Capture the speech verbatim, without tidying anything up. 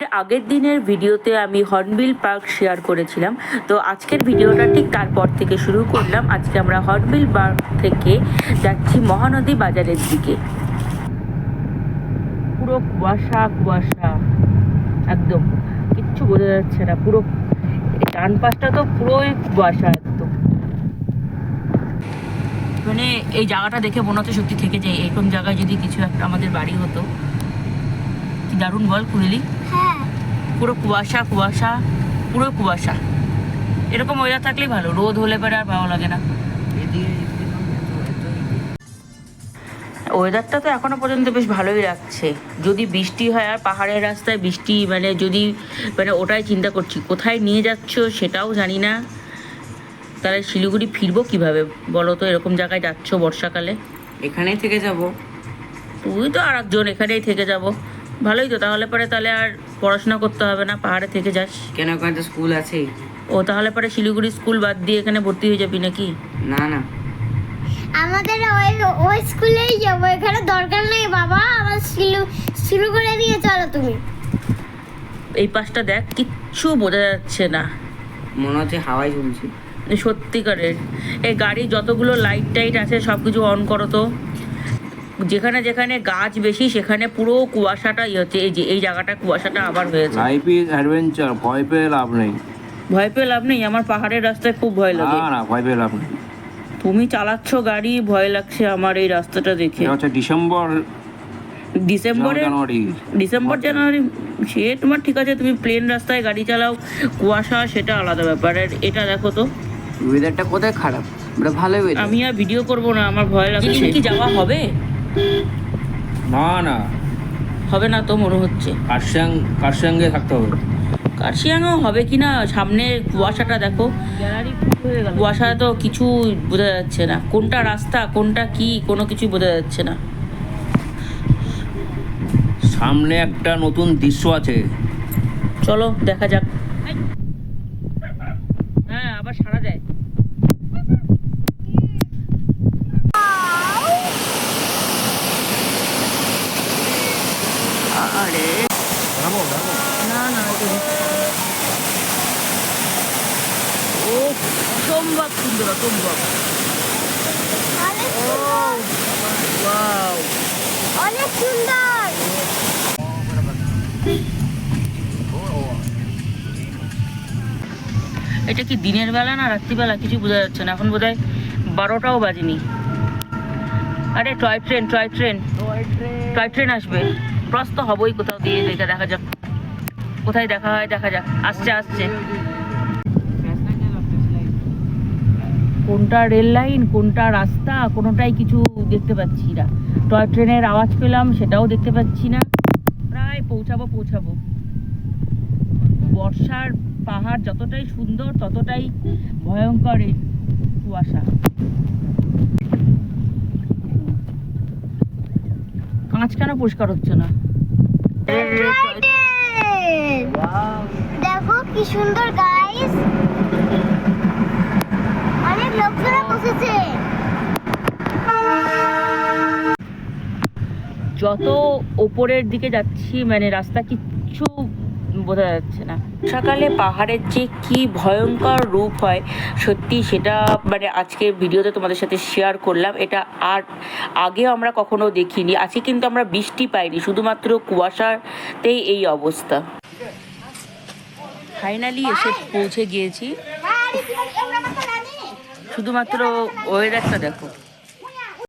আগের দিনের ভিডিওতে আমি হর্নবিল পার্ক শেয়ার করেছিলাম, তো আজকের ভিডিওটা ঠিক তারপর থেকে শুরু করলাম। আজকে আমরা হর্নবিল পার্ক থেকে যাচ্ছি মহানদী বাজারের দিকে। পুরো কুয়াশা কুয়াশা, একদম কিচ্ছু বোঝা যাচ্ছে না। পুরো ডান পাশটা তো পুরোই কুয়াশা একদম। মানে এই জায়গাটা দেখে মনে হচ্ছে সত্যি থেকে যায় এরকম জায়গায় যদি কিছু একটা আমাদের বাড়ি হতো। কি দারুণ বল কুহেলি। হ্যাঁ, পুরো কুয়াশা কুয়াশা, পুরো কুয়াশা। এরকম ওয়েদার থাকলেই ভালো, রোদ হলে পরে আর ভালো লাগে না। ওয়েদারটা তো এখনো পর্যন্ত বেশ ভালোই লাগছে। যদি বৃষ্টি হয়, আর পাহাড়ের রাস্তায় বৃষ্টি, মানে যদি মানে ওটাই চিন্তা করছি কোথায় নিয়ে যাচ্ছ সেটাও জানি না। তাহলে শিলিগুড়ি ফিরবো কিভাবে বলো তো, এরকম জায়গায় যাচ্ছ বর্ষাকালে? এখানেই থেকে যাব। তুই তো আর একজন, এখানেই থেকে যাব। ভালোই তো, তাহলে পরে তাহলে আর পড়াশোনা করতে হবে না, পাহাড়ে থেকে যাস। কেন, ওখানে তো স্কুল আছেই। ও তাহলে পরে শিলিগুড়ি স্কুল বাদ দিয়ে এখানে ভর্তি হয়ে যাবি নাকি? না না, আমাদের ওই ওই স্কুলেই যাবো, এখানে দরকার নেই বাবা। আমার শুরু শুরু করে দিয়ে চলো তুমি। এই পাশটা দেখ, কিচ্ছু বোঝা যাচ্ছে না, মনে হচ্ছে হাওয়াই ঝুলছে সত্যিকারের। এই গাড়ি যতগুলো লাইট টাইট আছে সব কিছু অন করো তো। যেখানে যেখানে গাছ বেশি সেখানে পুরো কুয়াশাটা ইয়ে হচ্ছে। এই যে এই জায়গাটা কুয়াশাটা আবার হয়েছে। লাইফ ইজ অ্যাডভেঞ্চার, ভয় পেয়ে লাভ নেই। ভয় পেয়ে লাভ নেই? আমার পাহাড়ের রাস্তায় খুব ভয় লাগে। না না, ভয় পেয়ে লাভ নেই। তুমি চালাচ্ছ গাড়ি, ভয় লাগছে আমার এই রাস্তাটা দেখে। এটা হচ্ছে ডিসেম্বর ডিসেম্বরে জানুয়ারি ডিসেম্বর জানুয়ারি সে তোমার ঠিক আছে, তুমি প্লেন রাস্তায় গাড়ি চালাও, কুয়াশা সেটা আলাদা ব্যাপার। আর এটা দেখো তো, ওয়েদারটা কোথায় খারাপ, ওটা ভালো ওয়েদার। আমি আর ভিডিও করব না, আমার ভয় লাগছে। কি যাওয়া হবে? না না, হবে না তো মনে হচ্ছে। কার্শিয়াং কার্শিয়াঙ্গে থাকতে হবে। কার্শিয়াংও হবে কি না, সামনে কুয়াশাটা দেখো, কুয়াশা তো কিছু বোঝা যাচ্ছে না। কোনটা রাস্তা কোনটা কি কোনো কিছু বোঝা যাচ্ছে না। সামনে একটা নতুন দৃশ্য আছে, চলো দেখা যাক। হ্যাঁ, আবার সারা দেয়। আরে না না, ও অসম্ভব সুন্দর, অসম্ভব। অনেক ও ওয়াও, অনেক সুন্দর। এটা কি দিনের বেলা না রাত্রিবেলা কিছু বোঝা যাচ্ছে না। এখন বোধহয় বারোটাও বাজেনি। আরে toy train, toy train, toy train আসবে। ক্রস তো হবই কোথাও দিয়ে, দেখা দেখা যাক কোথায় দেখা হয়, দেখা যাক। আসছে আসছে। কোনটা রেল লাইন কোনটা রাস্তা কোনোটাই কিছু দেখতে পাচ্ছি না। টয় ট্রেনের আওয়াজ পেলাম, সেটাও দেখতে পাচ্ছি না। প্রায় পৌঁছাবো পৌঁছাবো। বর্ষার পাহাড় যতটাই সুন্দর ততটাই ভয়ঙ্কর এই কুয়াশা। কাঁচ কেন পরিষ্কার হচ্ছে না? দেখো কি সুন্দর গাইস, অনেক লোকজনও বসেছে। যত ওপরের দিকে যাচ্ছি মানে রাস্তা কিচ্ছু বোঝা যাচ্ছে না। সকালে পাহাড়ের যে কি ভয়ঙ্কর রূপ হয় সত্যি, সেটা মানে আজকের ভিডিওতে তোমাদের সাথে শেয়ার করলাম। এটা আর আগেও আমরা কখনো দেখিনি। আজকে কিন্তু আমরা বৃষ্টি পাইনি, শুধুমাত্র কুয়াশাতেই এই অবস্থা। ফাইনালি এসে পৌঁছে গিয়েছি। শুধুমাত্র ওয়েদারটা দেখো।